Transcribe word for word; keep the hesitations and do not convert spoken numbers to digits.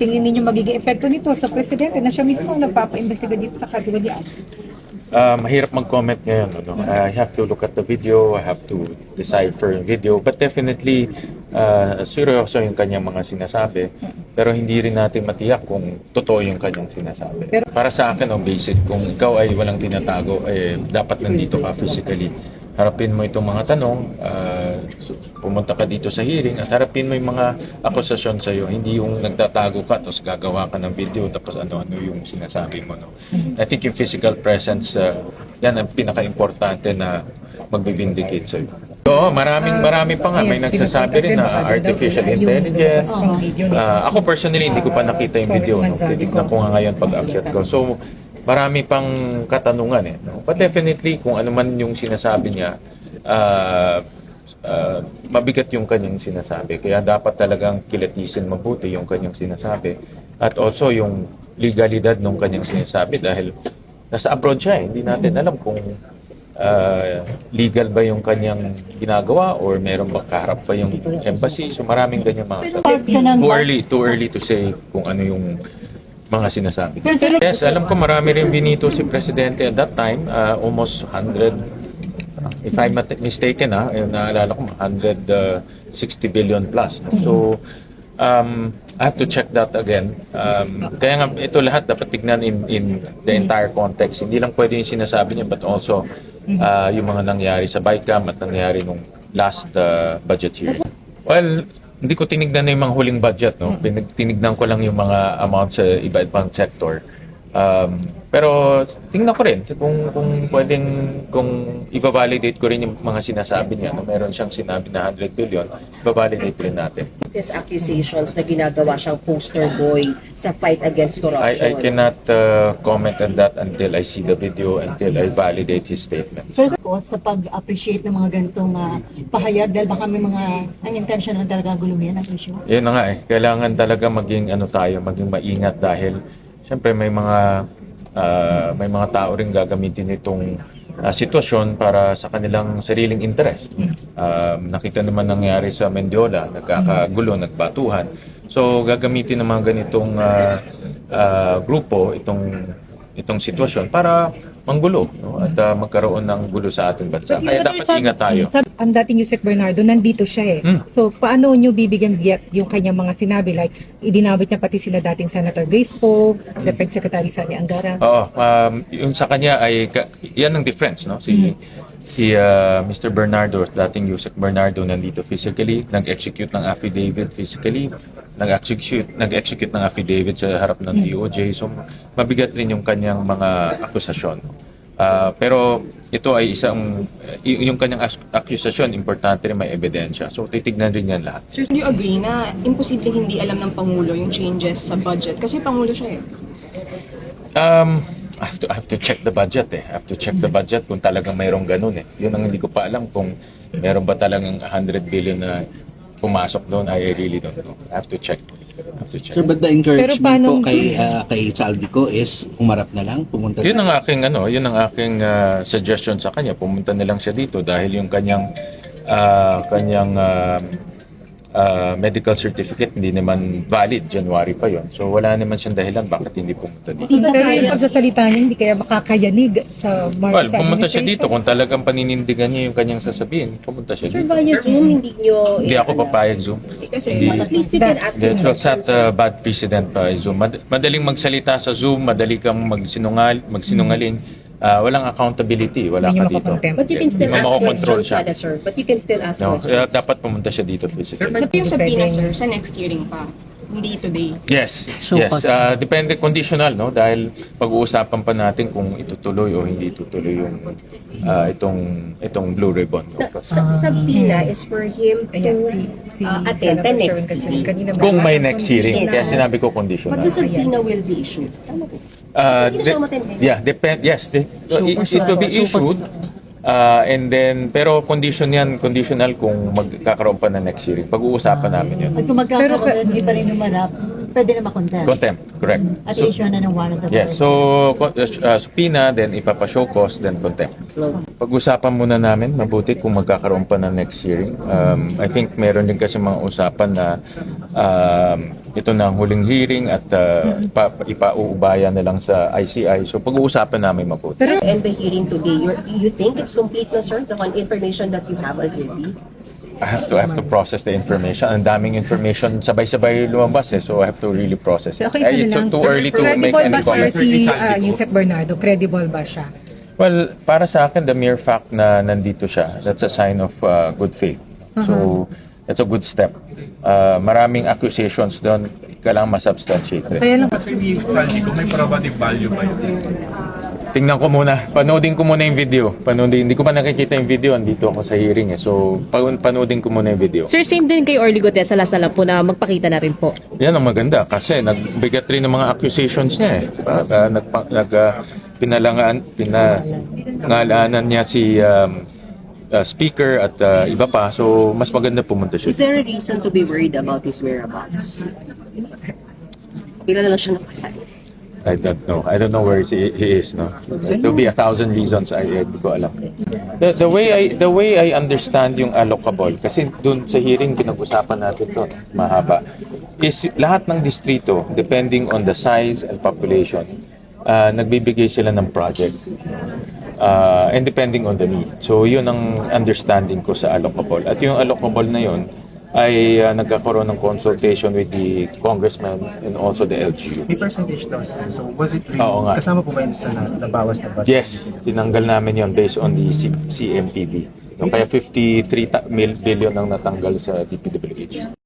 tingin ninyo magiging epekto nito sa presidente na siya mismo ang nagpapa-imbestiga dito sa kagawalian? Uh, mahirap mag-comment ngayon. Ano? I have to look at the video, I have to decipher yung video, but definitely uh, seryoso yung kanyang mga sinasabi, pero hindi rin natin matiyak kung totoo yung kanyang sinasabi. Pero para sa akin, oh, basic, kung ikaw ay walang tinatago, eh, dapat nandito ka physically. Harapin mo itong mga tanong, uh, pumunta ka dito sa hearing at harapin mo yung mga akusasyon sa iyo. Hindi yung nagtatago ka tapos gagawa ka ng video tapos ano-ano yung sinasabi mo. No? I think yung physical presence, uh, yan ang pinaka-importante na magbibindicate sa iyo. Oo, maraming marami pa nga. May nagsasabi rin na artificial intelligence. Uh, ako personally, hindi ko pa nakita yung video. No? Titignan ko nga ngayon pag-upset ko. So, marami pang katanungan eh. No? But definitely, kung ano man yung sinasabi niya, uh, uh, mabigat yung kanyang sinasabi. Kaya dapat talagang kilatisin mabuti yung kanyang sinasabi. At also yung legalidad ng kanyang sinasabi dahil nasa abroad siya eh. Hindi natin alam kung uh, legal ba yung kanyang ginagawa or meron ba kaharap pa yung embassy. So maraming ganyan mga katanungan. Too early, too early to say kung ano yung mga sinasabi. Yes, alam ko marami rin binito si Presidente at that time, uh, almost one hundred, uh, if I'm not mistaken, ah, uh, naalala ko one hundred sixty billion plus. No? So, um, I have to check that again. Um, kaya nga, ito lahat dapat tignan in, in the entire context. Hindi lang pwede yung sinasabi niya, but also uh, yung mga nangyari sa BICAM at nangyari nung last uh, budget hearing. Well, hindi ko tinignan na yung mga huling budget, no? Tinignan ko lang yung mga amount sa iba-ibang sector. Um, pero tingnan ko rin kung, kung pwedeng, kung i-validate ko rin yung mga sinasabi niya. No? Meron siyang sinabi na one hundred billion, i-validate rin natin. His accusations na ginagawa siyang poster boy sa fight against corruption. I, I cannot uh, comment on that until I see the video, until I validate his statements. First po, sa pag-appreciate ng mga ganitong uh, pahayag dahil baka may mga unintentional talaga guluhin ang issue. Yun na nga eh. Kailangan talaga maging ano tayo, maging maingat dahil siyempre may mga uh, may mga tao ring gagamitin itong uh, sitwasyon para sa kanilang sariling interest. Um, nakita naman nangyari sa Mendiola, nagkakagulo, nagbatuhan. So gagamitin ng mga ganitong uh, uh, grupo itong itong sitwasyon para manggulo, no? At uh, magkaroon ng gulo sa ating bansa. Kaya dapat ingat tayo. Ang dating Yusek Bernardo, nandito siya eh. Hmm. So, paano nyo bibigyan biyak yung kanyang mga sinabi? Like, idinawit niya pati sila dating Senator Grace Poe, the P E G Secretary Sani Angara. Oo, um, yung sa kanya ay, yan ang difference, no? Si, hmm. si uh, Mister Bernardo, dating Yusek Bernardo, nandito physically, nag-execute ng affidavit physically, nag-execute, nag-execute ng affidavit sa harap ng D O J. So, mabigat rin yung kanyang mga akusasyon. Uh, pero ito ay isang, y- yung kanyang akusasyon, importante rin may ebidensya. So, titignan rin yan lahat. Sir, do you agree na imposible hindi alam ng Pangulo yung changes sa budget? Kasi Pangulo siya eh. Um, I have to, I have to check the budget eh. I have to check the budget kung talagang mayroong ganun eh. Yun ang hindi ko pa alam kung meron ba talagang one hundred billion na pumasok doon. I really don't know. I have to check. I have to check. Sir, but the encouragement paano- po kay, uh, kay Saldico is umarap na lang, pumunta Yun na. ang aking ano, yun ang aking uh, suggestion sa kanya. Pumunta na lang siya dito dahil yung kanyang uh, kanyang uh, uh, medical certificate hindi naman valid, January pa yon. So wala naman siyang dahilan bakit hindi pumunta dito. Pero yung pagsasalita niya, hindi kaya makakayanig sa Mar- Well, sa pumunta siya administration. dito kung talagang paninindigan niya yung kanyang sasabihin. Pumunta siya Sir, dito. via Zoom, hindi nyo... Hindi ako papayag Zoom. Kasi Hindi. At least you can ask him That set questions. a bad precedent pa Zoom. Mad- madaling magsalita sa Zoom, madali kang magsinungal, magsinungaling. Ah, walang accountability, wala Hindi ka niyo dito. makokontempt. But you can still Hindi mo ask makokontrol questions, siya. Sada, sir. But you can still ask No, questions. eh, dapat pumunta siya dito Sir, physically. but yung subpoena, Pwedeng- sir, sa next hearing pa. Hindi today. Yes, yes. Ah, depende, conditional, no? Dahil pag-uusapan pa natin kung itutuloy o hindi itutuloy yung ah, itong itong Blue Ribbon. No? The sa- subpoena is for him to Ayan, si, si uh, attend the Senator next Sherwin hearing. kanina. Kung may next hearing, Yes. kaya sinabi ko But conditional. the subpoena will be issued. Tama po. Uh, Hindi na siya umattend eh. yeah, depend. Yes, it, it, it will be issued. Uh, and then, pero condition yan, conditional kung magkakaroon pa na next hearing. Pag-uusapan namin yun. At kung magkakaroon na hindi pa rin umarap, pwede na makontempt. Contempt, correct. At So, i-issue na ng warrant of yes, arrest. so co- uh, subpoena, then ipapashow cause, then contempt. Pag-usapan muna namin, mabuti kung magkakaroon pa na next hearing. Um, I think meron din kasi mga usapan na um, ito na ang huling hearing at uh, pa, ipauubaya na lang sa I C I. So pag-uusapan namin mabuti. Pero end the hearing today, you you think it's complete na, sir, the one information that you have already? I have to I have to process the information. Ang daming information, sabay-sabay lumabas eh. So I have to really process it. So, okay, Eh, sir it's lang. too early to make Credible any ba, sir, comments. si uh, Yusek Bernardo? Credible ba siya? Well, para sa akin, the mere fact na nandito siya, that's a sign of uh, good faith. So, that's a good step. Uh, maraming accusations doon, kailangan masubstantiate. Kaya lang, Kasi ni Saldi, kung may probative value ba yun? Tingnan ko muna. Panoodin ko muna yung video. Panoodin. Hindi ko pa nakikita yung video. Andito ako sa hearing eh. So, pan- panoodin ko muna yung video. Sir, same din kay Orly Gutesa, last na lang po na magpakita na rin po. Yan ang maganda kasi nagbigat rin ng mga accusations niya eh. Uh, uh, nagpa, nag, uh, pinalangaan, pinangalanan niya si um, uh, speaker at uh, iba pa. So, mas maganda pumunta Is siya. there a reason to be worried about his whereabouts? Ilan na lang siya nakatay? I don't know. I don't know where he, he is. No, it will be a thousand reasons. I, I di ko alam. The, the way I the way I understand yung allocable kasi dun sa hearing pinag-usapan natin to mahaba is lahat ng distrito depending on the size and population uh, nagbibigay sila ng project uh, and depending on the need. So yun ang understanding ko sa allocable. At yung allocable na yun ay uh, nagkakaroon ng consultation with the congressman and also the L G U. May percentage daw, sir. So, was it really, Oo nga. kasama po ba yun sa na- nabawas na budget? Yes, tinanggal namin yon based on the C- C M P D. Kaya fifty-three ta- mil- billion ang natanggal sa D P W H.